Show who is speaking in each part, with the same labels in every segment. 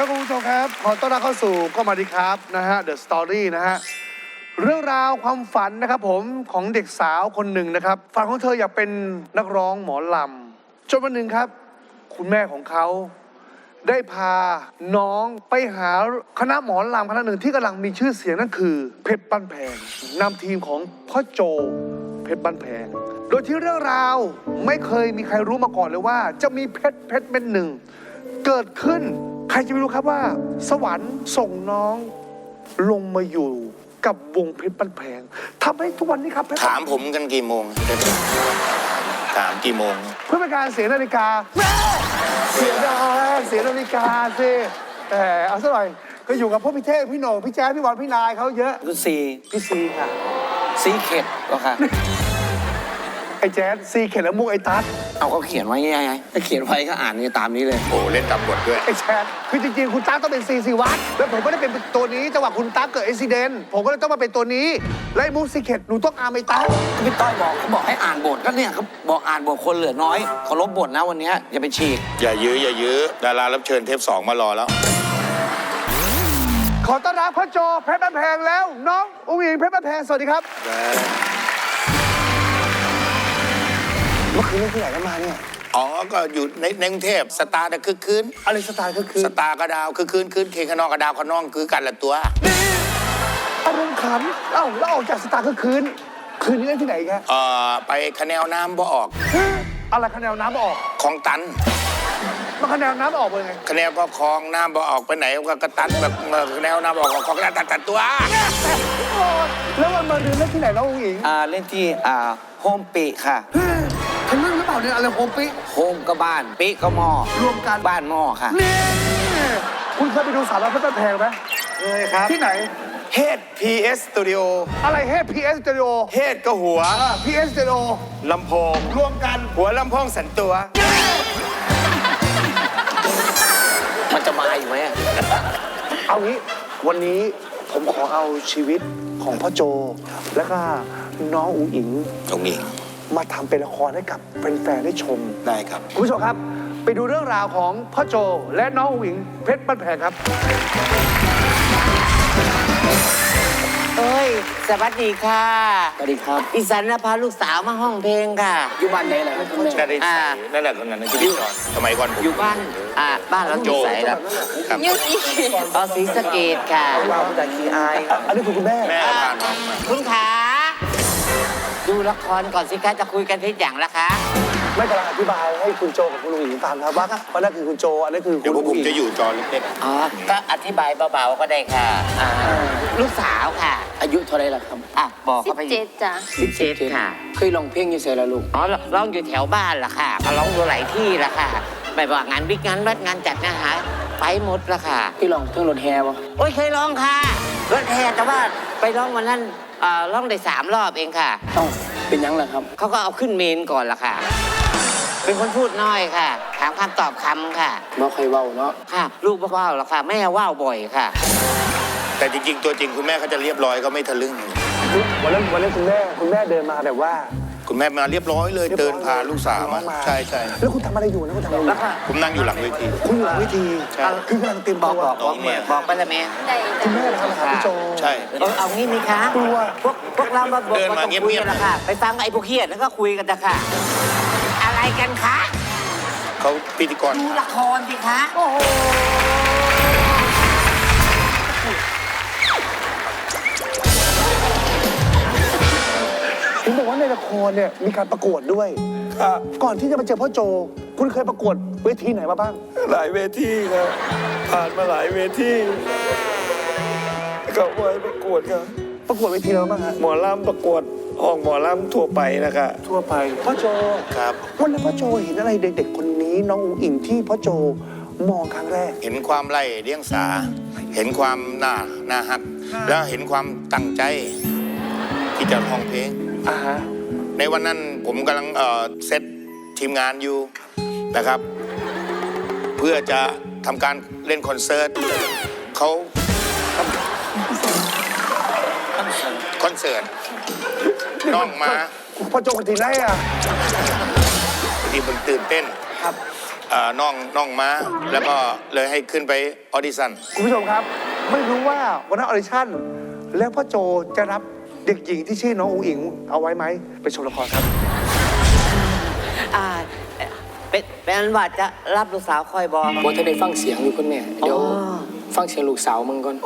Speaker 1: ครับคุณผู้ชมครับขอต้อนรับเข้าสู่ก็มาดีครับนะฮะ The Story นะฮะเรื่องราวความฝันนะครับผมของเด็กสาวคนหนึ่งนะครับฝันของเธออยากเป็นนักร้องหมอลำจนวันหนึ่งครับคุณแม่ของเขาได้พาน้องไปหาคณะหมอลำคณะหนึ่งที่กำลังมีชื่อเสียงนั่นคือเพชรบ้านแพงนำทีมของพ่อโจเพชรบ้านแพงโดยที่เรื่องราวไม่เคยมีใครรู้มาก่อนเลยว่าจะมีเพชรเป็นหนึ่งเกิดขึ้นใครจะไม่รู้ครับว่าสวรรค์ส่งน้องลงมาอยู่กับวงเพชรบ้านแพงทำให้ทุกวันนี้ครับ
Speaker 2: ถามผมกันกี่โมงถามกี่โมง
Speaker 1: เพื่อเป็นการเสียนาฬิกาแม่เสียดายเสียนาฬิกาสิแต่เอาซะหน่อยก็อยู่กับพวกพี่เท่พี่โหน่งพี่แจ๊คพี่บอลพี่นายเขาเยอะ
Speaker 3: คุณซี
Speaker 1: พี่ซีค่ะ
Speaker 3: ซีเข็ดก็ค่ะ
Speaker 1: ไอ้แจ๊คซีเข็ดแล้วมุกไอ้ตั๊ด
Speaker 3: เอาเขาเขียนไว้ไงถ้าเขียนไว้ก็อ่านนี่ตามนี้เลย
Speaker 2: โอ้เล่นตามบทด้วย
Speaker 1: ไอ้แจ๊คคือจริงๆคุณตั๊กต้องเป็นซีซีวัดแล้วผมไม่ได้เป็นตัวนี้จังหวะคุณตั๊กเกิดอุบิเหตุผมก็เลยต้องมาเป็นตัวนี้และไอ้มุกซีเข็ดหนูต้องอาร์มไอ้ตั๊ก
Speaker 3: พี่ต้อยบอกเขาบอกให้อ่านบทก็เนี่ยเขาบอกอ่านบทคนเหลือน้อยเคารพบทนะวันนี้อย่าไปฉีก
Speaker 2: อย่ายื้อดารารับเชิญเทป 2มารอแล้ว
Speaker 1: ขอต้อนรับพ่อโจเพชรบ้านแพงแล้วน้องอุ้งอิงเพชรบ้านแพงสวัสดีครับเมื่อคืนเล่นที่ไหนกันมาเนี่ย
Speaker 2: อ๋อก็อยู่ในกรุงเทพสตาร์แต่คือคืน
Speaker 1: อะไรสไตล์คือ
Speaker 2: สตาร์กระดาวคือคืนเคขนองกระดาวขนองคือกันละตัว
Speaker 1: อารมณ์ขันเอ้าแล้วออกจากสตาร์คืนนี้เล่นที่ไหนกัน
Speaker 2: ไปคะแนนน้ำบ่ออก
Speaker 1: อะไรคะแนนน้ำออก
Speaker 2: คลองตัน
Speaker 1: มาคะแนนน้ำออกเป็นไง
Speaker 2: คะแนนก็คลองน้ำบ่ออกไปไหนก็กระตันแบบคะแนนน้ำออกของตัดตัว
Speaker 1: แล้ววันมาเรียนเล่นที่ไหนน้องอุ๋งอิง
Speaker 3: เล่นที่โฮมปีค่ะ
Speaker 1: ทำเรื่องหรือเปล่าเนี่ยอะไรโฮมปี
Speaker 3: โฮมก็บ้านปีก็หม้อ
Speaker 1: รวมกัน
Speaker 3: บ้านหม้อค่ะ
Speaker 1: นี่คุณเคยไปดูสาวน้อยเพชรบ้านแพงไหม
Speaker 2: เคยครับ
Speaker 1: ที่ไหน
Speaker 2: เฮด PS Studio
Speaker 1: อะไรเฮด PS Studio
Speaker 2: เฮดก็หัว
Speaker 1: PS Studio
Speaker 2: ลำโพง
Speaker 1: รวมกัน
Speaker 2: หัวลำโพงสันตัว
Speaker 3: มันจะมาอยู่ไหม
Speaker 1: เอางี้วันนี้ผมขอเอาชีวิตของพ่อโจแล้วก็น้องอุ๋งอิงมาทำเป็นละครให้กับแฟนๆได้ชม
Speaker 2: ได้ครับ
Speaker 1: คุณผู้ชมครับไปดูเรื่องราวของพ่อโจและน้องอุ๋งอิงเพชรบ้านแพงครับ
Speaker 4: เอ้ยสวัสดีค่ะ
Speaker 3: สวัสดีครับ
Speaker 4: อีสันพาลูกสาวมาห้องเพลงค่ะ
Speaker 3: อยู่บ้านไหนล่ะคุณแม่
Speaker 2: นั่นแหละคนนั้นที่พี่สอนสมัยก่อน
Speaker 4: อยู่บ้านเราอยู่ไหนครับ
Speaker 2: ยุค
Speaker 4: นี้ศรีสะเกษค่ะ
Speaker 3: เราจากขี้อาย
Speaker 1: อันนี้คือคุณแม่
Speaker 4: คุณขาดูละครก่อนสิคะจะคุยกันที่อย่างละคะ
Speaker 1: ไม่กำลังอธิบายให้คุณโจกับคุณลุงหญิงฟังครับว่านั่นคือคุณโจอันนี้คือ
Speaker 2: คุณลุงหญิงผมจะอยู่จอเล็ก
Speaker 4: ๆก็อธิบายเบาๆก็ได้ค่ะลูกสาวค่ะ
Speaker 3: อายุเท่าไรล่ะครับ
Speaker 4: บอกเขาไป
Speaker 5: 17จ้ะ
Speaker 4: 17ค่ะ
Speaker 3: เคยร้องเพลงยังไงล่ะลูก
Speaker 4: ร้องอยู่แถวบ้านล่ะค่ะร้องอยู่หลายที่ล่ะค่ะไม่ว่างานวิกงานวัดงานจัดงานหาไปหมดล่ะค่ะ
Speaker 3: พี่ร้องเพลงรถแห่ปะ
Speaker 4: โอ้ยเคยร้องค่ะรถแห่แต่ว่าไปร้องวันนั้นร้องได้3 รอบเองค่ะ
Speaker 3: เป็นยังล่ะครับ
Speaker 4: เขาก็เอาขึ้นเมนก่อนล่ะค่ะเป็นคนพูดน้อยค่ะถามคำตอบคำค่ะ
Speaker 3: ไม่เคยเว้าเนาะ
Speaker 4: ค่ะลูกว่าวหรอกค่ะแม่ว่าวบ่อยค่ะ
Speaker 2: แต่จริงๆตัวจริงคุณแม่เขาจะเรียบร้อยก็ไม่ทะลึ่ง
Speaker 1: วันนั้นคุณแม่เดินมาแบบว่า
Speaker 2: คุณแม่มาเรียบร้อยเลยเดินพาลูกสาวมาใช่
Speaker 1: แล้วคุณทำอะไรอยู่นะคุณทำอะไรอยู่
Speaker 2: ผมนั่งอยู่หลังเวที
Speaker 1: คุณอยู่หลังเวทีคือกำลังเตรียมตัว
Speaker 4: บอกไปเลยแม่
Speaker 1: คุณแม่ทำหาพี่โจ
Speaker 2: ใช่
Speaker 4: เอางี้มีคะ
Speaker 1: กลัว
Speaker 4: พวกเรามาบอกมาคุยกันละค่ะไปฟังไอ้พวกเฮียแล้วก็คุยกันนะค่ะอะไรกันคะ
Speaker 2: เขาพิธีกร
Speaker 4: ดูละครสิคะ
Speaker 1: โอ้โหผมบอกว่าในละครเนี่ยมีการประกวดด้วยก่อนที่จะมาเจอพ่อโจคุณเคยประกวดเวทีไหนมาบ้าง
Speaker 6: หลายเวทีครับผ่านมาหลายเวทีก็ไว้ประกวดครับ
Speaker 1: ประกวดเวทีแล้วบ้างฮะ
Speaker 6: หมอลำประกวดห้องหมอลำทั่วไปนะครับ
Speaker 1: ทั่วไปพ่อโจ
Speaker 2: ครับ
Speaker 1: วันนั้นพ่อโจเห็นอะไรเด็กๆคนนี้น้องอุ๋งอิงที่พ่อโจมองครั้งแรก
Speaker 2: เห็นความไร้เดียงสาเห็นความน่าฮักแล้วเห็นความตั้งใจที่จะร้องเพลงในวันนั้นผมกำลังเซตทีมงานอยู่นะครับเพื่อจะทำการเล่นคอนเสิร์ตเขาคอนเสิร์ตน้องมา
Speaker 1: พ่อโจคนที่ไหนอ่ะ
Speaker 2: ที่มันตื่นเต้น
Speaker 1: ครับ
Speaker 2: น้องมาแล้วก็เลยให้ขึ้นไปออดิชั่น
Speaker 1: คุณผู้ชมครับ ไม่รู้ว่าวันนั้นออดิชั่น แล้วพ่อโจจะรับเด็กหญิงที่ชื่อน้องอุ๋งอิงเอาไว้ไหมไปชมละครครับ
Speaker 4: เป็นอันว่าจะรับลูกสาวคอยบอก
Speaker 5: บ่ทันได้ฟังเสียงอยู่คุณแม่ เดี๋ยว
Speaker 4: อ๋อ
Speaker 5: ฟังเสียงลูกสาวมึงก่อน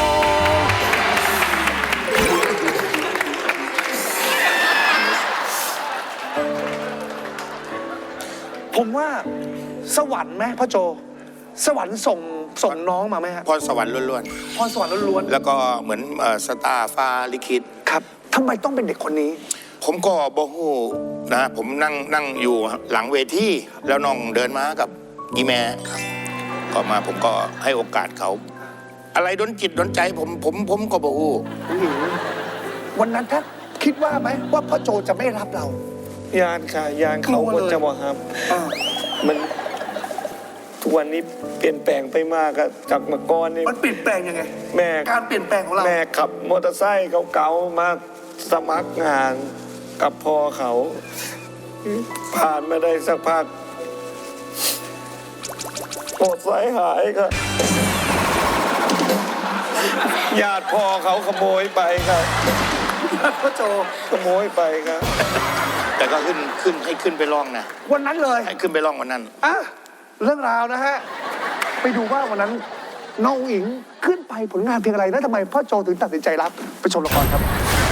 Speaker 1: ผมว่าสวรรค์ไหมพ่อโจ สวรรค์ส่งน้องมาไหมฮะ
Speaker 2: พรสวรรค์ล้วน
Speaker 1: พรสวรรค์ล้วน
Speaker 2: ๆ แล้วก็เหมือนสตาร์ฟ้าลิขิต
Speaker 1: ๆครับทำไมต้องเป็นเด็กคนนี้
Speaker 2: ผมก็บอกฮู้นะ ผมนั่งอยู่หลังเวทีแล้วน้องเดินมากับอีแม่ก็มาผมก็ให้โอกาสเขา อะไรดนจิตดนใจผมก็บอกฮู้
Speaker 1: อุ๋งอิงวันนั้นถ้าคิดว่าไหมว่าพ่อโจจะไม่รับเรา
Speaker 6: ยานค่ะยานเขา
Speaker 1: กลัว
Speaker 6: ก็
Speaker 1: เลย
Speaker 6: จะบอกครับ มันทุกวันนี้เปลี่ยนแปลงไปมากอะจากเมื่อก่อนนี่
Speaker 1: มันเปลี่ยนแปลงยังไง
Speaker 6: แม่
Speaker 1: การเปลี่ยนแปลงของเรา
Speaker 6: แม่ขับมอเตอร์ไซค์เก่าๆมาสมัครงานกับพ่อเขา ผ่านมาได้สักพักมอเตอร์ไซค์หายครับญาติพ่อเขาขโมยไปครับ
Speaker 1: พ่อโจ
Speaker 6: ขโมยไปครับ
Speaker 2: แต่ก็ขึ้นให้ขึ้นไปร้องนะ
Speaker 1: วันนั้นเลย
Speaker 2: ให้ขึ้นไปร้องวันนั้น
Speaker 1: อ่ะเรื่องราวนะฮะ ไปดูว่าวันนั้นน้องอุ๋งอิงขึ้นไปผลงานเพลงอะไรแล้วทำไมพ่อโจถึงตัดสินใจรับไปชมละครครับ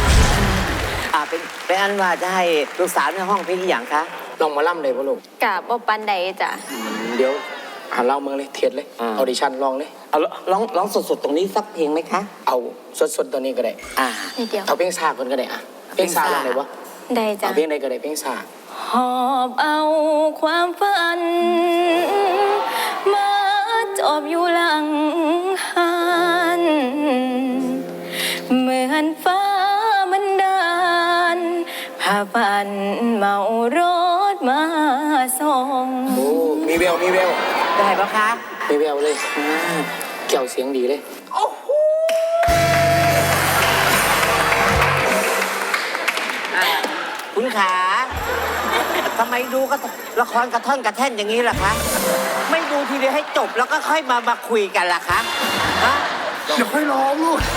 Speaker 4: เป็นอันว่าจะให้ลูกสาวในห้องเพลงอหย่างคะ
Speaker 5: ลองมาล่ำเลยพ่อลูก
Speaker 7: กะบ่ปันใดจ้ะ
Speaker 5: เดี๋ยวหาเล่ามึงเลย เทียดเลย ออดิชั่นลองเลย
Speaker 4: เอาร้องสดๆตรงนี้สักเพลงไหมคะ
Speaker 5: เอาสดๆตอนนี้ก็ได้
Speaker 7: นิดเดียว
Speaker 5: เอาเพลงซาก่อนก็ได้อะเพลงซาลองเลยวะ
Speaker 7: ได้จ้ะ
Speaker 5: เอาเพลงใดก็ได้เพลงซา
Speaker 7: หอบเอาความฝัน มาจอบอยู่หลังหันเหมือนฟ้ามันดานพาฝันเมารถมาส่ง
Speaker 5: โอ้มีแวว
Speaker 4: ได้ปะคะ
Speaker 5: มีแววเลยเกี่ยวเสียงดีเลย
Speaker 4: คุณขาทำไมดูก็ละครกระท่อนกระแท่นอย่างนี้ล่ะคะ ไม่ดูทีเดียวให้จบแล้วก็ค่อยมาคุยกันล่ะคะฮะ
Speaker 1: เดี๋ยวค่อยร้องลูก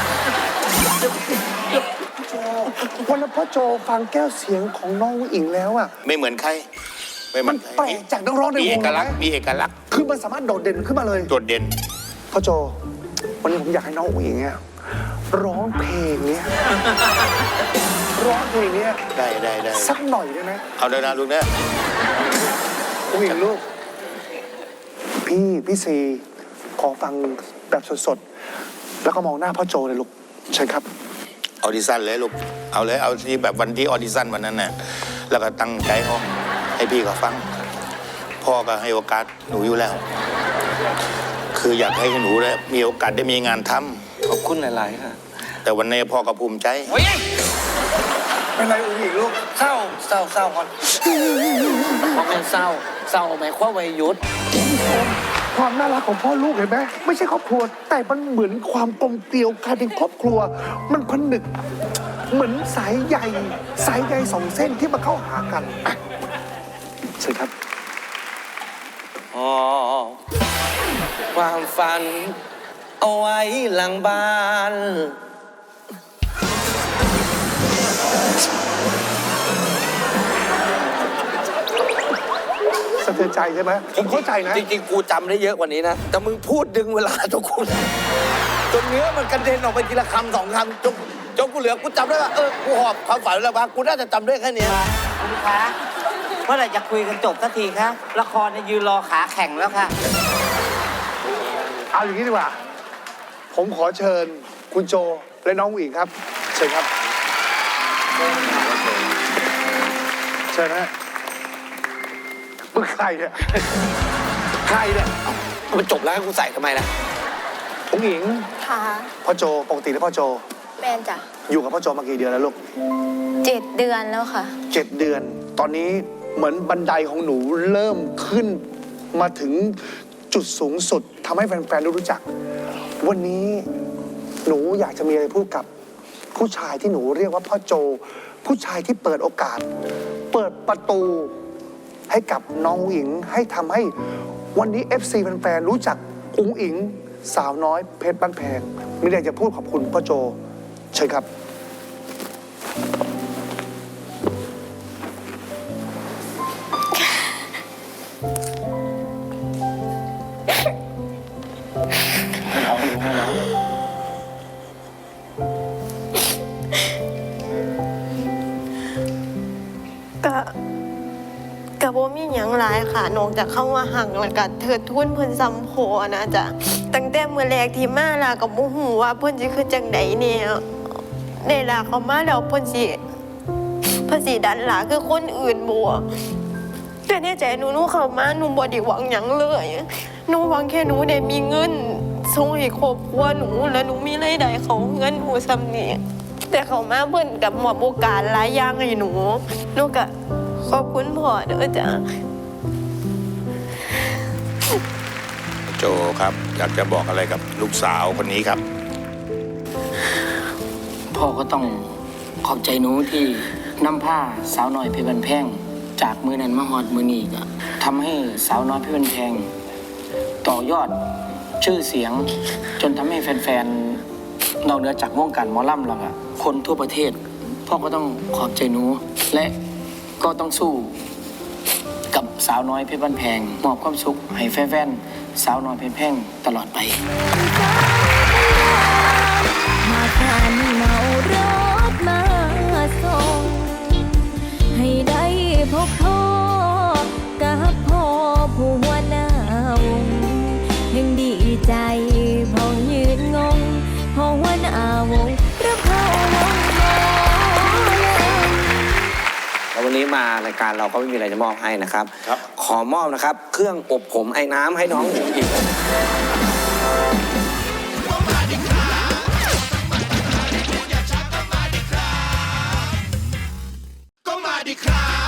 Speaker 1: วันนั้นพ่อโจฟังแก้วเสียงของน้องอุ๋งอิงแล้วอ่ะ
Speaker 2: ไม่เหมือนใคร ไม่เหมื
Speaker 1: มั
Speaker 2: อน นใคร
Speaker 1: แปลกจากนักร้องใน
Speaker 2: มี
Speaker 1: ว
Speaker 2: เอง ก
Speaker 1: เล
Speaker 2: ลั
Speaker 1: ย
Speaker 2: กษณ์มีเอกลักษณ์
Speaker 1: คือมันสามารถโดดเด่นขึ้นมาเลย
Speaker 2: โดดเด่น
Speaker 1: พ่อโจ วันนี้ผมอยากให้น้องอุ๋งอิงเนี่ยร้องเพลงเนี้ยร้องเพลงเนี้ย
Speaker 2: ได้
Speaker 1: สักหน่อยได้ไหม
Speaker 2: เอาเดินนะลูกเนี่ย
Speaker 1: อุ๋งอิงลูก พี่ซีขอฟังแบบสดๆ แล้วก็มองหน้าพ่อโจเลยลูกเชิญครับ
Speaker 2: ออดิชั่นเลยลูก เอาเลย เอาที่แบบวันที่ออดิชั่นวันนั้นน่ะ แล้วก็ตั้งใจห้องให้พี่เขาฟัง พ่อก็ให้โอกาสหนูอยู่แล้ว คืออยากให้หนูได้มีโอกาสได้มีงานทำ
Speaker 6: ขอบคุณหลาย ๆ ค่ะ
Speaker 2: แต่วันนี้พ่อก็ภูมิใจ
Speaker 1: เป็นไรอุ๋งอิงลูก
Speaker 5: เศร้าก่อนเพราะมันเศร้าหมายความว่าหยุด
Speaker 1: ความน่ารักของพ่อลูกเห็นไหมไม่ใช่ครอบครัว แต่มันเหมือนความกลมเกลียวกลายเป็นครอบครัว มันผนึกเหมือนสายใยสองเส้นที่มาเข้าหากันอ่ะเชิญครับ
Speaker 6: อ๋อ ความฝัน เอาไว้หลังบ้าน
Speaker 1: สะเทือนใจใช่ไหมผมเข้าใจนะ
Speaker 6: จริง ๆ กูจำได้เยอะกว่านี้นะ แต่มึงพูดดึงเวลาทุกคนจนเนื้อมันกระเด็นออกไปทีละคำสองคำจนกูเหลือกูจำได้ว่ากูหอบความฝันแล้วบ้างกูน่าจะจำได้แค่เนี้ย
Speaker 4: คุณคะเมื่อไหร่จะคุยกันจบสักทีคะละครเนี่ยยืนรอขาแข็งแล้วค่ะ
Speaker 1: เอาอย่างนี้ดีกว่า ผมขอเชิญคุณโจและน้องอุ๋งอิงครับ เชิญครับ เชิญนะฮะมึงใครเนี่ยใครเนี่ย
Speaker 5: มันจบแล้วให้กูใส่ทำไมล่ะ
Speaker 1: อุ๋งอิง
Speaker 7: ค่ะ
Speaker 1: พ่อโจปกติแล้วพ่อโจ
Speaker 7: แมนจ้ะ
Speaker 1: อยู่กับพ่อโจมากี่เดือนแล้วลูก
Speaker 7: 7 เดือนแล้วค่ะ
Speaker 1: 7 เดือน ตอนนี้เหมือนบันไดของหนูเริ่มขึ้นมาถึงจุดสูงสุดทำให้แฟนๆได้รู้จัก วันนี้หนูอยากจะมีอะไรพูดกับผู้ชายที่หนูเรียกว่าพ่อโจ ผู้ชายที่เปิดโอกาส เปิดประตูให้กับน้องอุ๋งอิงให้ทำให้วันนี้ FC แฟนๆรู้จักอุ๋งอิงสาวน้อยเพชรบ้านแพงมีอะไรจะพูดขอบคุณพ่อโจเชิญครับ
Speaker 8: ก็บ่มีหยังหลายค่ะนอกจากเข้ามาหักแล้วก็เทิดทุนเพิ่นซ้ำโพนะจ๊ะตั้งแต่มื้อแรกที่มาล่ะก็บ่ฮู้ว่าเพิ่นสิคือจังไดเนี่ยได้ล่ะเขามาแล้วเพิ่นสิดันหลาคือคนอื่นบ่แต่ในใจหนูเข้ามาหนูบ่ได้หวังหยังเลยหนูหวังแค่หนูได้มีเงินส่งให้ครอบครัวหนูแล้วหนูมีรายได้ของเงินหนูซ้ำนี่แต่เขามาเพิ่นกับมอบโอกาสหลายอย่างให้หนูก็ขอบคุณพ่อเด้อจ้ะ
Speaker 2: โจครับอยากจะบอกอะไรกับลูกสาวคนนี้ครับ
Speaker 5: พ่อก็ต้องขอบใจหนูที่นำผ้าสาวน้อยเพชรบ้านแพงจากมือนั้นมาฮอดมือนี้ก็ทำให้สาวน้อยเพชรบ้านแพงต่อยอดชื่อเสียง จนทำให้แฟนๆนอกเหนือจากวงการหมอลำแล้วอะคนทั่วประเทศ พ่อก็ต้องขอบใจหนูและก็ต้องสู้กับสาวน้อยเพชรบ้านแพงมอบความสุขให้แฟนๆสาวน้อยเพชรแพงตลอดไป
Speaker 7: หากท่านเมารถมาส่งให้ได้พบพ่อกับพ่อผู้หัวหน้าวงยังดีใจพอยืนงงพอหัวหน้าวงรับเข้าวงหมอลำ
Speaker 3: แล้ววันนี้มารายการเราก็ไม่มีอะไรจะมอบให้นะครับ
Speaker 2: ครับ
Speaker 3: ขอมอบนะครับ เครื่องอบผมไอ้น้ำให้น้องอุ๋งอิง
Speaker 9: ก็มาดิครับ